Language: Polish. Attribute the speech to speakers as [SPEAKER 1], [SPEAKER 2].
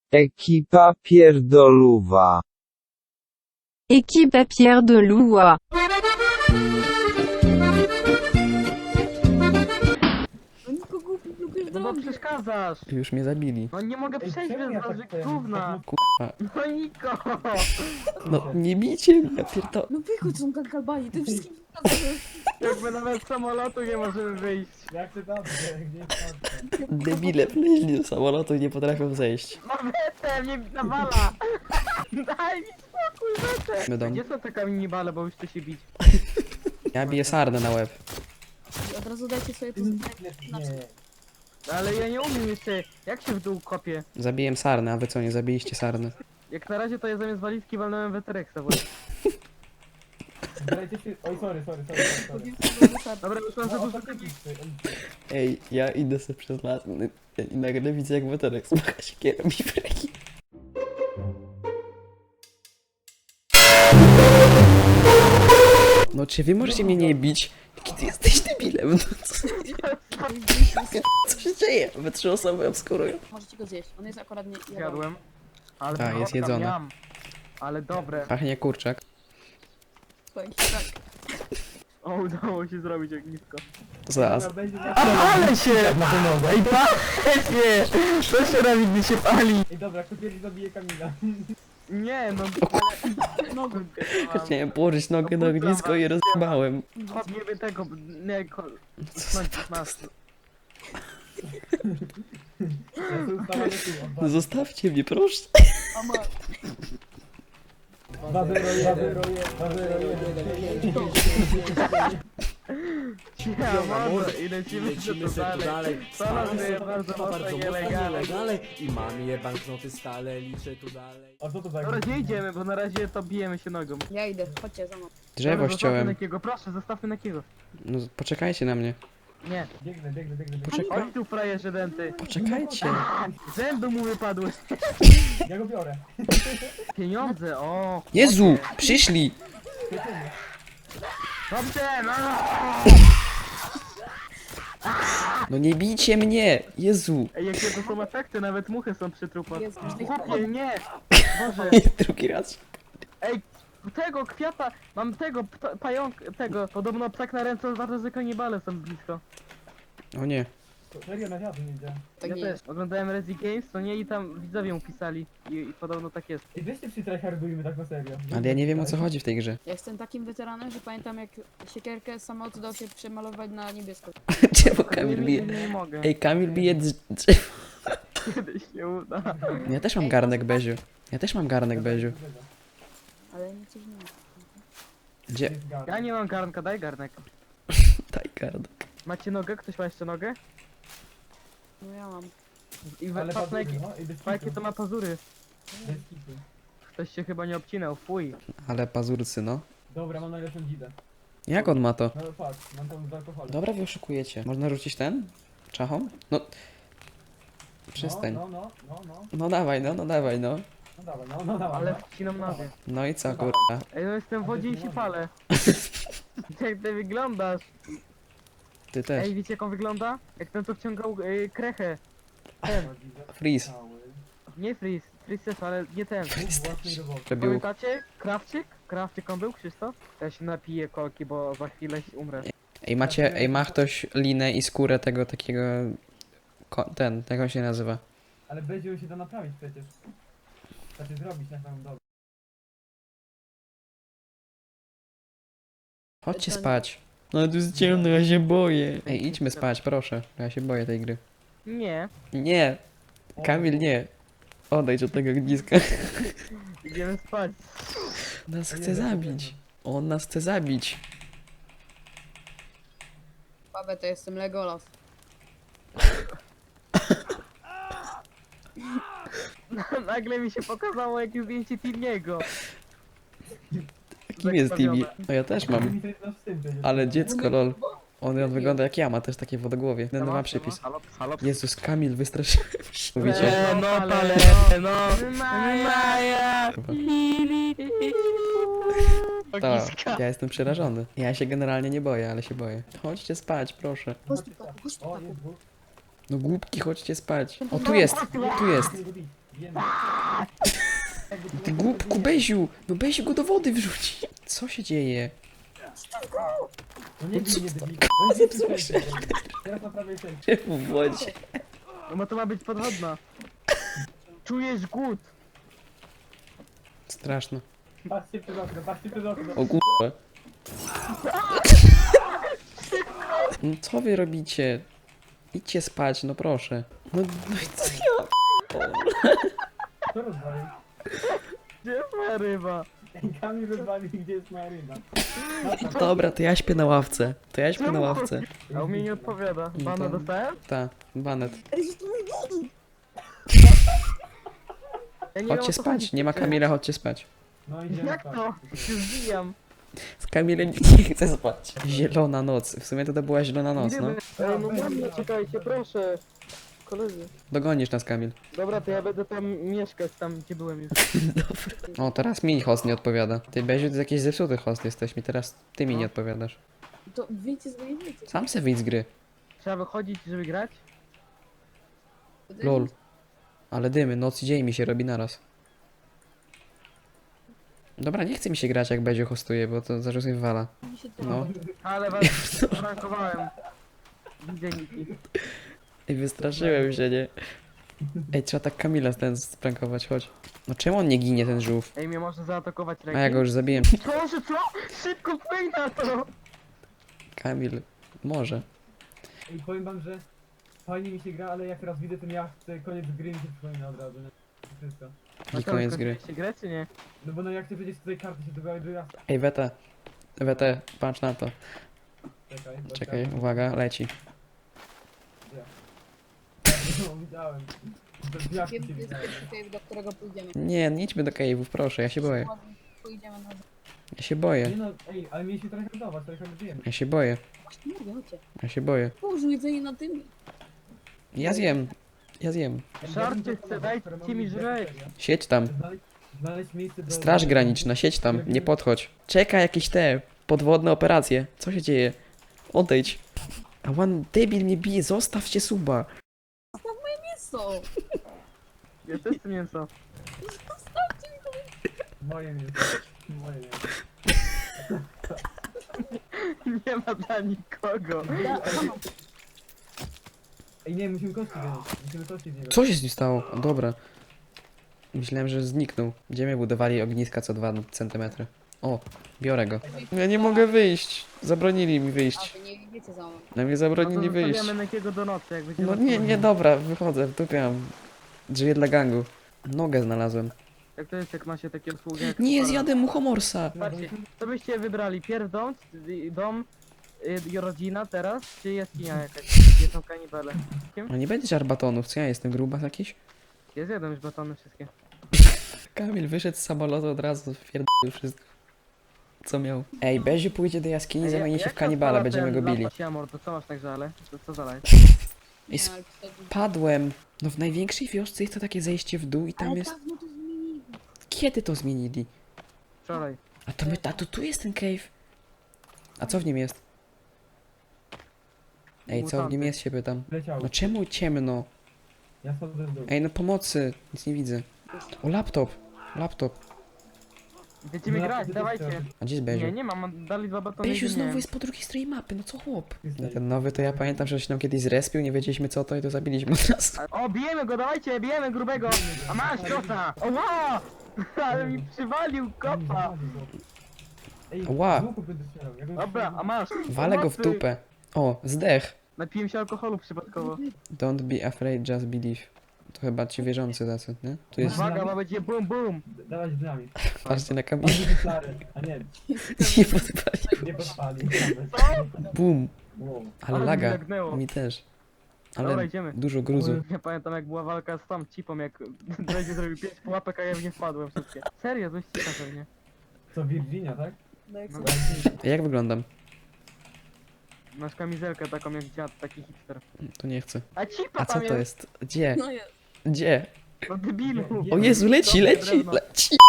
[SPEAKER 1] Ekipa pierdoluwa.
[SPEAKER 2] Équipe Pierre de Loua.
[SPEAKER 3] No nikogo głupi blokujesz
[SPEAKER 4] No bo
[SPEAKER 3] drogę.
[SPEAKER 4] przeszkadzasz!
[SPEAKER 5] Już mnie zabili.
[SPEAKER 4] No nie mogę przejść
[SPEAKER 6] czemu
[SPEAKER 4] bez
[SPEAKER 6] ja
[SPEAKER 4] was,
[SPEAKER 6] tak ten-
[SPEAKER 4] gówna!
[SPEAKER 5] Kurwa.
[SPEAKER 4] No Niko!
[SPEAKER 5] No nie bijcie mnie, ja pierdolę.
[SPEAKER 3] No wychodź są kankalbani, ty wszystkim pokazujesz.
[SPEAKER 4] Jakby nawet z samolotu nie możemy wyjść.
[SPEAKER 6] Jak ty dobrze, gdzie jest kartka?
[SPEAKER 5] Debile wleźli do samolotu i nie potrafią zejść.
[SPEAKER 4] No wetę, mnie nawala! Daj mi spokój, wetę!
[SPEAKER 5] My dom.
[SPEAKER 4] Gdzie są te kamienibale, bo już chce się bić?
[SPEAKER 5] Ja biję sarnę na łeb.
[SPEAKER 3] I od razu dajcie sobie pozytywne.
[SPEAKER 6] Nie.
[SPEAKER 4] Ale ja nie umiem jeszcze, jak się w dół kopię?
[SPEAKER 5] Zabiłem sarnę, a wy co, nie zabiliście sarny?
[SPEAKER 4] Jak na razie to ja zamiast walizki walnąłem wetereksa właśnie.
[SPEAKER 6] Zbierajcie się... Oj, sorry.
[SPEAKER 4] Dobra, już mam za
[SPEAKER 6] No,
[SPEAKER 4] dużo
[SPEAKER 6] ostatni pisty.
[SPEAKER 5] Ej, ja idę sobie przez las i nagle widzę jak weterek smaga się kierą i breki. No czy wy możecie mnie nie bić? Jaki ty jesteś debilem? No co się dzieje? We 3 osoby obskurują.
[SPEAKER 3] Możecie go zjeść, on jest akurat nie jadł.
[SPEAKER 4] Jadłem. Ale
[SPEAKER 5] Tak, jest
[SPEAKER 4] kotka
[SPEAKER 5] jedzone.
[SPEAKER 4] miam. Ale dobre.
[SPEAKER 5] Pachnie kurczak.
[SPEAKER 3] Powiem ci tak.
[SPEAKER 4] O, udało się zrobić ognisko.
[SPEAKER 5] Zaraz.
[SPEAKER 6] Dobra, będzie na-
[SPEAKER 4] Ale się!
[SPEAKER 6] na wymogę.
[SPEAKER 4] Ej, panie! Co się robi, gdy się pali?
[SPEAKER 6] Ej, dobra, kto pierwszy zabije Kamila?
[SPEAKER 4] Nie, no...
[SPEAKER 3] Nogą.
[SPEAKER 5] Chciałem położyć nogę na ognisko i rozjebałem.
[SPEAKER 4] Podniemy tego... Nie, skończyć nas.
[SPEAKER 6] Ja tu ustawam
[SPEAKER 5] No zostawcie mnie, proszę.
[SPEAKER 3] Mama,
[SPEAKER 6] 2-0-1.
[SPEAKER 4] Ja może i lecimy to dalej. To nas jest bardzo mocno nielegalne.
[SPEAKER 7] I mam je banknoty stale, liczę tu dalej.
[SPEAKER 6] A co to za...
[SPEAKER 4] Dobra, nie idziemy, bo na razie to bijemy się nogą.
[SPEAKER 3] ja idę, chodźcie za mną.
[SPEAKER 5] Drzewo
[SPEAKER 4] Dobra, zostawmy
[SPEAKER 5] ściąłem.
[SPEAKER 4] Nakiego, proszę, zostawmy Nakiego.
[SPEAKER 5] No poczekajcie na mnie.
[SPEAKER 4] Nie.
[SPEAKER 6] Biegnę.
[SPEAKER 5] Poczekaj.
[SPEAKER 4] Chodź tu, frajerze denty.
[SPEAKER 5] Poczekajcie.
[SPEAKER 4] Zęby mu wypadły.
[SPEAKER 6] Ja go biorę.
[SPEAKER 4] Pieniądze, o.
[SPEAKER 5] Jezu, przyszli.
[SPEAKER 4] Dobrze, no.
[SPEAKER 5] No nie bijcie mnie. Jezu.
[SPEAKER 4] Ej, jakie to są efekty, nawet muchy są przy trupach.
[SPEAKER 3] Jest
[SPEAKER 4] Chłopie, nie. Boże.
[SPEAKER 5] Drugi raz.
[SPEAKER 4] Ej, tego kwiata, mam tego pająk, tego. Podobno ptak na ręce oznacza, że kanibale są blisko.
[SPEAKER 5] O nie.
[SPEAKER 6] Serio, na wiatr nie idzie.
[SPEAKER 3] Tak
[SPEAKER 4] Ja
[SPEAKER 3] nie
[SPEAKER 4] też
[SPEAKER 3] jest.
[SPEAKER 4] oglądałem Rezi Games, to nie i tam widzowie mu pisali i podobno tak jest.
[SPEAKER 6] Ej, weźcie przytryhardujmy tak na serio.
[SPEAKER 5] Ale ja nie wiem o co chodzi w tej grze.
[SPEAKER 3] Ja jestem takim weteranem, że pamiętam jak siekierkę samolot dał się przemalować na niebiesko.
[SPEAKER 5] Czemu Kamil
[SPEAKER 4] nie,
[SPEAKER 5] bije?
[SPEAKER 4] nie mogę.
[SPEAKER 5] Ej, Kamil bije drzewo.
[SPEAKER 4] Kiedyś się uda.
[SPEAKER 5] Ja też mam garnek Beziu. Ja też mam garnek Beziu.
[SPEAKER 3] Ale nic nie ma.
[SPEAKER 5] Gdzie?
[SPEAKER 4] Ja nie mam garnka, daj garnek.
[SPEAKER 5] Daj garnek.
[SPEAKER 4] Macie nogę? Ktoś ma jeszcze nogę?
[SPEAKER 3] No ja mam.
[SPEAKER 4] I
[SPEAKER 6] Ale
[SPEAKER 4] patrz na
[SPEAKER 6] patrz,
[SPEAKER 4] jakie,
[SPEAKER 6] no, i bez
[SPEAKER 4] jakie
[SPEAKER 6] kitu.
[SPEAKER 4] to ma pazury.
[SPEAKER 6] Bez kitu.
[SPEAKER 4] Ktoś się chyba nie obcinał, fuj.
[SPEAKER 5] Ale pazurcy, no.
[SPEAKER 6] Dobra, mam najlepszą dzidę.
[SPEAKER 5] Jak on ma to?
[SPEAKER 6] No patrz, mam tam z alkoholem.
[SPEAKER 5] Dobra, wy oszukujecie. Można rzucić ten? Czachą? No. Przestań.
[SPEAKER 6] No.
[SPEAKER 5] No dawaj, no dawaj, no.
[SPEAKER 6] No dawaj, no dawaj.
[SPEAKER 4] Ale
[SPEAKER 6] no.
[SPEAKER 4] wcinam nogę.
[SPEAKER 5] No i co, kurwa?
[SPEAKER 4] Ej, no jestem w wodzie i się palę. Jak ty wyglądasz?
[SPEAKER 5] Ty też.
[SPEAKER 4] Ej, wiecie jak on wygląda? Jak ten co wciągał krechę. Ten,
[SPEAKER 5] Freeze.
[SPEAKER 4] nie Freeze. Freeze też, ale nie ten.
[SPEAKER 6] Bóg własnej roboty.
[SPEAKER 5] Przebił.
[SPEAKER 4] Pamiętacie? Krawczyk? Krawczyk on był, Krzysztof? Ja się napiję kolki, bo za chwilę umrę.
[SPEAKER 5] Ej, ma ktoś linę i skórę tego takiego... Ten, jak on się nazywa?
[SPEAKER 6] Ale będzie się to naprawić przecież. Znaczy zrobić na samym dole.
[SPEAKER 5] Chodźcie spać. No tu jest ciemno, ja się boję. Ej, idźmy spać, proszę. Ja się boję tej gry.
[SPEAKER 4] Nie.
[SPEAKER 5] Nie. Kamil, nie. Odejdź od tego ogniska.
[SPEAKER 4] Idziemy spać.
[SPEAKER 5] Nas chce zabić. On nas chce zabić.
[SPEAKER 3] Babę to jestem Legolas.
[SPEAKER 4] Nagle mi się pokazało jakieś zdjęcie Timiego.
[SPEAKER 5] Kim jest Timmy?
[SPEAKER 4] Zakrwawione.
[SPEAKER 5] No ja też mam.
[SPEAKER 6] Mi to jest nasz syn przecież.
[SPEAKER 5] Ale dziecko, lol. On wygląda jak ja, ma też takie wodogłowie. Ten ma przypis.
[SPEAKER 4] Halo, halo.
[SPEAKER 5] Jezus, Kamil, wystraszyłem się. Mówicie?
[SPEAKER 4] No, ale, no. Maja.
[SPEAKER 5] To, ja jestem przerażony. Ja się generalnie nie boję, ale się boję. Chodźcie spać, proszę.
[SPEAKER 3] Chodź tu, chodź tu,
[SPEAKER 6] O,
[SPEAKER 3] papu.
[SPEAKER 6] jest dwóch.
[SPEAKER 5] No głupki, chodźcie spać. O, tu jest, tu jest.
[SPEAKER 6] Nie go bić. Wiemy.
[SPEAKER 5] Ty głupku, Beziu! No Beziu go do wody wrzuci! Co się dzieje?
[SPEAKER 6] No nie bij, nie bij. No nie bij, teraz naprawię się.
[SPEAKER 5] W wodzie.
[SPEAKER 4] No bo to ma być podwodna. Czujesz głód.
[SPEAKER 5] Straszno.
[SPEAKER 6] Patrzcie przez okno, patrzcie przez okno.
[SPEAKER 5] O kurwa. No co wy robicie? Idźcie spać, no proszę. No i co ja?
[SPEAKER 6] Co rozwalił?
[SPEAKER 4] Gdzie jest moja ryba?
[SPEAKER 6] Kamil rozwalił, gdzie jest moja ryba.
[SPEAKER 5] Dobra, to ja śpię na ławce. To ja śpię na ławce.
[SPEAKER 4] A u mnie nie odpowiada.
[SPEAKER 5] No
[SPEAKER 4] Bana
[SPEAKER 5] to-
[SPEAKER 4] dostałem?
[SPEAKER 5] Ta, banet.
[SPEAKER 4] Ja nie wiem, o
[SPEAKER 5] Chodźcie
[SPEAKER 4] co
[SPEAKER 5] spać,
[SPEAKER 4] chodzi.
[SPEAKER 5] nie ma Kamila, chodźcie spać.
[SPEAKER 6] No idziemy
[SPEAKER 4] Jak
[SPEAKER 6] spać.
[SPEAKER 4] to? Się zbijam.
[SPEAKER 5] Z Kamilem nie chcę spać. Zielona noc. W sumie to była zielona noc, no.
[SPEAKER 4] Ej, no mamie, czekajcie, proszę. Koledzy.
[SPEAKER 5] Dogonisz nas, Kamil.
[SPEAKER 4] Dobra, to ja będę tam mieszkać, tam gdzie byłem już.
[SPEAKER 5] O, teraz mi host nie odpowiada. Ty, Beziu, to jest jakiś zepsuty host jesteś mi, teraz ty mi nie odpowiadasz.
[SPEAKER 3] To wyjdźcie z mojej wiecie.
[SPEAKER 5] Sam se wyjdź z gry.
[SPEAKER 4] Trzeba wychodzić, żeby grać?
[SPEAKER 5] Lol. Ale dymy, noc i dzień mi się robi naraz. Dobra, nie chce mi się grać jak Beziu hostuje, bo to zaraz mnie wywala. No.
[SPEAKER 4] Ale was prankowałem. Widzę Niki.
[SPEAKER 5] Ej, wystraszyłem się, nie? Ej, trzeba tak Kamila ten sprankować, chodź. No czemu on nie ginie, ten żółw?
[SPEAKER 4] Ej, mnie może zaatakować
[SPEAKER 5] A
[SPEAKER 4] rekin?
[SPEAKER 5] ja go już zabiłem.
[SPEAKER 4] Proszę, co? Szybko płyń na to!
[SPEAKER 5] Kamil, może.
[SPEAKER 6] I powiem wam, że fajnie mi się gra, ale jak raz widzę ten jacht, koniec gry mi się przypomina od razu, nie? To wszystko.
[SPEAKER 5] I koniec gry.
[SPEAKER 4] Się grać, czy nie?
[SPEAKER 6] No bo no jak ty przecież tutaj karty się dobrały do jachtu.
[SPEAKER 5] Ej, Wete, patrz na to.
[SPEAKER 6] Czekaj, bo
[SPEAKER 5] Czekaj, uwaga, leci.
[SPEAKER 6] No, widziałem. To z jachtu się
[SPEAKER 3] Wiem, to jest
[SPEAKER 6] widziałem.
[SPEAKER 3] pierwszy cave, do którego pójdziemy.
[SPEAKER 5] Nie, nie idźmy do cave'ów, proszę, ja się boję.
[SPEAKER 3] Pójdziemy na...
[SPEAKER 5] Ja się boję.
[SPEAKER 6] Nie no, ej, ale mieliśmy trochę handlować, trochę handlujemy.
[SPEAKER 5] Ja się boję.
[SPEAKER 3] Właśnie mówię, chodźcie.
[SPEAKER 5] Ja się boję.
[SPEAKER 3] Połóż jedzenie na tym.
[SPEAKER 5] Ja zjem. Ja zjem.
[SPEAKER 4] Żarcie chcę, dajcie mi żreć.
[SPEAKER 5] Siedź tam.
[SPEAKER 6] Znaleźć miejsce do...
[SPEAKER 5] Straż graniczna, siedź tam, nie podchodź. Czeka jakieś te podwodne operacje. Co się dzieje? Odejdź. A one debil mnie bije, zostawcie suba.
[SPEAKER 3] Mięso!
[SPEAKER 4] Ja też chcę mięso.
[SPEAKER 6] Moje miejsce. Moje miejsce.
[SPEAKER 4] Nie ma dla nikogo.
[SPEAKER 6] Ej, nie, musimy kości wziąć. Musimy kości wziąć.
[SPEAKER 5] Co się z nim stało? O, dobra. Myślałem, że zniknął. Gdzie mnie budowali ogniska co 2 cm? O, biorę go. Ja nie mogę wyjść. Zabronili mi
[SPEAKER 3] A
[SPEAKER 5] wyjść.
[SPEAKER 3] wy nie wiecie za mną.
[SPEAKER 5] Na mnie
[SPEAKER 4] No
[SPEAKER 5] zabronili
[SPEAKER 4] to
[SPEAKER 5] wyjść.
[SPEAKER 4] zostawiamy Nekiego do nocy, jak będzie
[SPEAKER 5] No
[SPEAKER 4] noc
[SPEAKER 5] nie,
[SPEAKER 4] wchodził.
[SPEAKER 5] nie, dobra, wychodzę, wtupiam. Drzwi dla gangu. Nogę znalazłem.
[SPEAKER 4] Jak to jest, jak ma się takie usługi jak
[SPEAKER 5] Nie,
[SPEAKER 4] Sparrow?
[SPEAKER 5] zjadłem muchomorsa.
[SPEAKER 4] Patrzcie, co byście wybrali? Pierw dom i rodzina teraz, czy jaskinia jakaś, gdzie są kanibale?
[SPEAKER 5] No nie będzie żarbatonów, co ja jestem, grubas jakiś?
[SPEAKER 4] Ja zjadłem już batony wszystkie.
[SPEAKER 5] Kamil wyszedł z samolotu od razu, wpierdolił wszystko. Co miał? Ej, Beziu pójdzie do jaskini, zamieni się w kanibala, będziemy go bili.
[SPEAKER 4] Siamor, to co masz tak żale? To co za lajt?
[SPEAKER 5] I
[SPEAKER 3] Nie,
[SPEAKER 5] sp-
[SPEAKER 3] ale wtedy...
[SPEAKER 5] Padłem. No w największej wiosce jest to takie zejście w dół i tam
[SPEAKER 3] Ale
[SPEAKER 5] jest...
[SPEAKER 3] dawno to zmienili.
[SPEAKER 5] Kiedy to zmienili?
[SPEAKER 4] Wczoraj.
[SPEAKER 5] A to tu jest ten cave. A co w nim jest? Ej, co w nim jest, się pytam.
[SPEAKER 6] Leciało.
[SPEAKER 5] No czemu ciemno?
[SPEAKER 6] Ja schodzę w dół.
[SPEAKER 5] Ej, no pomocy, nic nie widzę. O, laptop.
[SPEAKER 4] Będziemy
[SPEAKER 6] No,
[SPEAKER 4] grać,
[SPEAKER 6] to
[SPEAKER 4] dawajcie.
[SPEAKER 5] A gdzie jest Beziu?
[SPEAKER 4] Nie, nie mam, dali 2 batony
[SPEAKER 5] Beziu
[SPEAKER 4] i
[SPEAKER 5] znowu
[SPEAKER 4] nie.
[SPEAKER 5] jest po drugiej stronie mapy, no co chłop?
[SPEAKER 6] Jest
[SPEAKER 5] No ten nowy to ja pamiętam, że się nam kiedyś zrespił, nie wiedzieliśmy co to i to zabiliśmy od razu.
[SPEAKER 4] O, bijemy go, dawajcie, bijemy grubego! A masz kosa! O, wow! Ale mi przywalił kopa!
[SPEAKER 6] Ej,
[SPEAKER 5] Ła.
[SPEAKER 6] z łuku będę strzelał. Ja go
[SPEAKER 4] Dobra, a masz!
[SPEAKER 5] Walę go w
[SPEAKER 4] Pomocy!
[SPEAKER 5] dupę. O, zdech.
[SPEAKER 4] Napiłem się alkoholu przypadkowo.
[SPEAKER 5] Don't be afraid, just believe. To chyba ci wierzący tacy, nie? Tu jest...
[SPEAKER 4] Uwaga, bo będzie bum bum!
[SPEAKER 6] Dawać dynamit.
[SPEAKER 5] Patrzcie na Kamila.
[SPEAKER 6] Patrzcie flary. A nie,
[SPEAKER 5] Nie podpalił.
[SPEAKER 6] nie podpali.
[SPEAKER 5] Bum.
[SPEAKER 6] Wow.
[SPEAKER 5] Ale
[SPEAKER 4] Ale
[SPEAKER 5] laga.
[SPEAKER 4] mi lagnęło.
[SPEAKER 5] Mi też.
[SPEAKER 4] Dobra,
[SPEAKER 5] Ale
[SPEAKER 4] idziemy.
[SPEAKER 5] dużo gruzu.
[SPEAKER 4] Ja pamiętam jak była walka z tą cipą, jak Dredzie zrobił 5 pułapek, a ja w nie wpadłem wszystkie. Serio, dość cicha pewnie.
[SPEAKER 6] Co, Virginia, tak?
[SPEAKER 3] No jak
[SPEAKER 4] No,
[SPEAKER 3] sobie...
[SPEAKER 5] Jak wyglądam?
[SPEAKER 4] masz kamizelkę taką jak dziad, taki hipster.
[SPEAKER 5] To nie chcę.
[SPEAKER 4] A cipa
[SPEAKER 5] A co
[SPEAKER 4] tam
[SPEAKER 5] to jest? Gdzie?
[SPEAKER 3] No jest.
[SPEAKER 5] Gdzie?
[SPEAKER 4] No debilu!
[SPEAKER 5] O Jezu, leci,
[SPEAKER 4] Dobre
[SPEAKER 5] leci,
[SPEAKER 4] drewno.
[SPEAKER 5] leci!